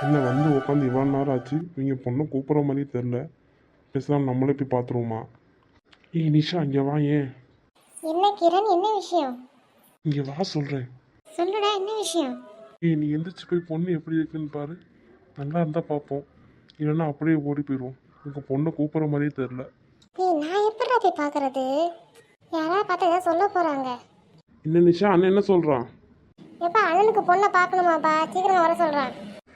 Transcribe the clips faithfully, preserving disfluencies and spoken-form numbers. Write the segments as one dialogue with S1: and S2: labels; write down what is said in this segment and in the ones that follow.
S1: என்ன வந்து உட்காந்து இவ்வளோ நேரம் ஆச்சு, இவங்க பொண்ணை கூப்பிட்ற மாதிரியே தெரில. பேசாமல் நம்மளே போய் பார்த்துருவோமா? ஏய் நிஷா, இங்கே வா. ஏன்
S2: என்ன கிரண், என்ன விஷயம்?
S1: இங்கே வா சொல்கிறேன்.
S2: சொல்லுடா, என்ன விஷயம்?
S1: ஏய் நீ எந்திரிச்சு போய் பொண்ணு எப்படி இருக்குன்னு பாரு. நல்லா இருந்தால் பார்ப்போம், இல்லைன்னா அப்படியே ஓடி போயிடுவோம். உங்கள் பொண்ணை கூப்பிட்ற மாதிரியே தெரில.
S2: ஏய், நான் எப்படிடா போய் பார்க்கறது? யாராவது பார்த்தா ஏதாவது சொல்ல போகிறாங்க.
S1: என்ன நிஷா, அண்ணன் என்ன சொல்கிறான்?
S2: எப்பா, அண்ணனுக்கு பொண்ணை பார்க்கணுமாப்பா, சீக்கிரமா வர சொல்கிறான்.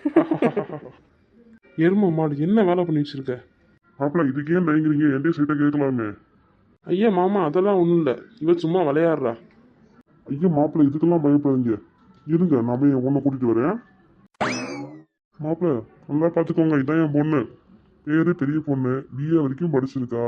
S1: எரும மாடு, என்ன வேலை பண்ணி வச்சிருக்க?
S3: மாப்பிள்ள இதுக்கு ஏன் தயங்குறீங்க? என்கிட்ட சீட்டை கேட்கலாமே.
S1: ஐயா மாமா, அதெல்லாம் ஒன்றும் இல்லை, இவன் சும்மா விளையாடுறா.
S3: ஐயா மாப்பிள்ள இதுக்கெல்லாம் பயப்படாதீங்க. இருங்க, நான் போய் என் பொண்ணை கூட்டிட்டு வரேன். மாப்பிள்ள நல்லா பார்த்துக்கோங்க, இதான் என் பொண்ணு. பேரு பெரிய பொண்ணு, பிஏ வரைக்கும் படிச்சிருக்கா.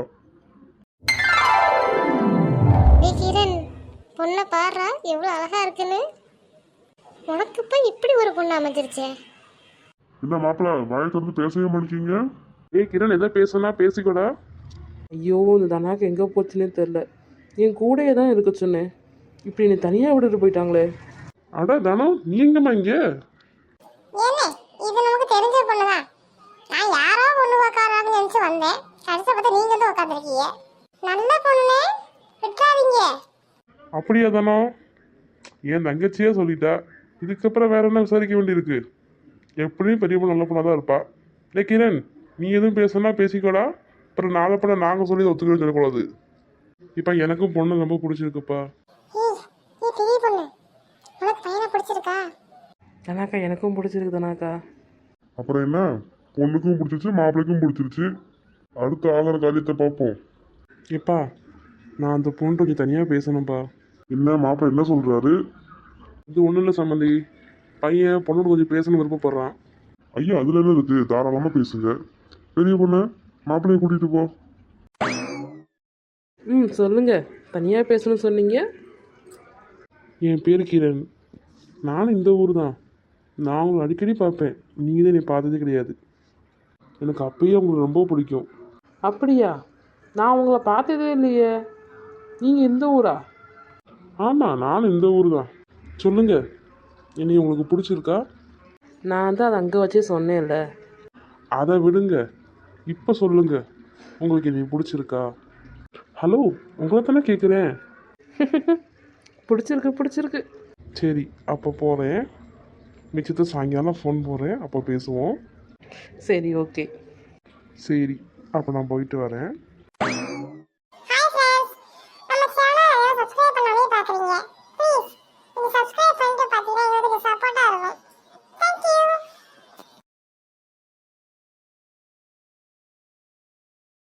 S2: ஏய் கிரண், பொண்ணை பாடுறா எவ்வளோ அழகா இருக்குன்னு. உனக்கு போய் இப்படி ஒரு பொண்ணு அமைஞ்சிருச்சே.
S3: என்ன மாப்பிள்ள வாயை திறந்து பேசவே மாட்டேங்க?
S1: ஏய் கிரண், எதை பேசுனா பேசிக்கூடா.
S4: ஐயோ, இந்த தனாக்கு எங்கே போச்சுன்னே தெரில. என் கூடயே தான் இருக்க சொன்னேன், இப்படி நீ தனியாக விட்டுட்டு போயிட்டாங்களே.
S1: அட தனம், நீ எங்கம்மா இங்கே?
S2: ஏனே, இது நமக்கு தெரிஞ்ச பொண்ணு தான். நான் யாரோ பொண்ணு பார்க்கறாங்கன்னு நினைச்சு வந்தேன். கடைசி பார்த்தா நீங்க வந்து உட்காந்துருக்கீங்க. நல்ல பொண்ணு, விட்டுறாதீங்க.
S1: அப்படியா தனம்? என் தங்கச்சியே சொல்லிட்டா, இதுக்கப்புறம் வேற என்ன விசாரிக்க வேண்டியிருக்கு? எப்படியும் பெரிய பொண்ணு நல்ல பொண்ணாக தான் இருப்பா. இல்லை கிரண், நீ எதுவும் பேசுனா பேசிக்கோடா. அப்புறம் நாளை பண்ண நாங்கள் சொல்லி ஒத்துக்கவே சொல்லக்கூடாது. இப்போ எனக்கும் பொண்ணு ரொம்ப பிடிச்சிருக்குப்பா.
S2: ஏய், நீ பெரிய பொண்ணு, உனக்கு பையனை பிடிச்சிருக்கா?
S4: தனாக்கா எனக்கும் பிடிச்சிருக்கு தனாக்கா.
S3: அப்புறம் என்ன, பொண்ணுக்கும் பிடிச்சிருச்சு மாப்பிள்ளைக்கும் பிடிச்சிருச்சு. அடுத்த ஆகிற காரியத்தை பார்ப்போம்.
S1: ஏப்பா, நான் அந்த பொண்ணு கொஞ்சம் தனியாக பேசணும்ப்பா.
S3: என்ன மாப்பிள்ளை என்ன சொல்றாரு?
S1: இது ஒன்றும் இல்லை சம்மந்தி, பையன் பொண்ணோட கொஞ்சம் பேசணும்னு விருப்பப்படுறான்.
S3: ஐயா அதுல என்ன இருக்கு, தாராளமா பேசுங்க. பெரிய பொண்ணு மாப்பிள்ளைய கூட்டிட்டு போ.
S4: ம் சொல்லுங்க, தனியாக பேசணும்னு சொன்னீங்க.
S1: என் பேர் கிரண், நானும் இந்த ஊர் தான். நான் உங்களை அடிக்கடி பார்ப்பேன், நீங்கள் தான் என்னை பார்த்ததே கிடையாது. எனக்கு அப்பயே உங்களுக்கு ரொம்ப பிடிக்கும்.
S4: அப்படியா? நான் உங்களை பார்த்ததே இல்லையே. நீங்கள் எந்த ஊரா?
S1: ஆமாம், நானும் இந்த ஊர் தான். சொல்லுங்கள், என்னை உங்களுக்கு பிடிச்சிருக்கா?
S4: நான் தான் அதை அங்கே வச்சே சொன்னேன்ல.
S1: அதை விடுங்க, இப்போ சொல்லுங்க, உங்களுக்கு என்னை பிடிச்சிருக்கா? ஹலோ, உங்களை தானே கேட்குறேன்.
S4: பிடிச்சிருக்கு பிடிச்சிருக்கு.
S1: சரி, அப்போ போகிறேன். மிச்சத்தை சாயங்காலம் ஃபோன் போடுறேன், அப்போ பேசுவோம்.
S4: சரி, ஓகே.
S1: சரி, அப்போ நான் போயிட்டு வரேன்.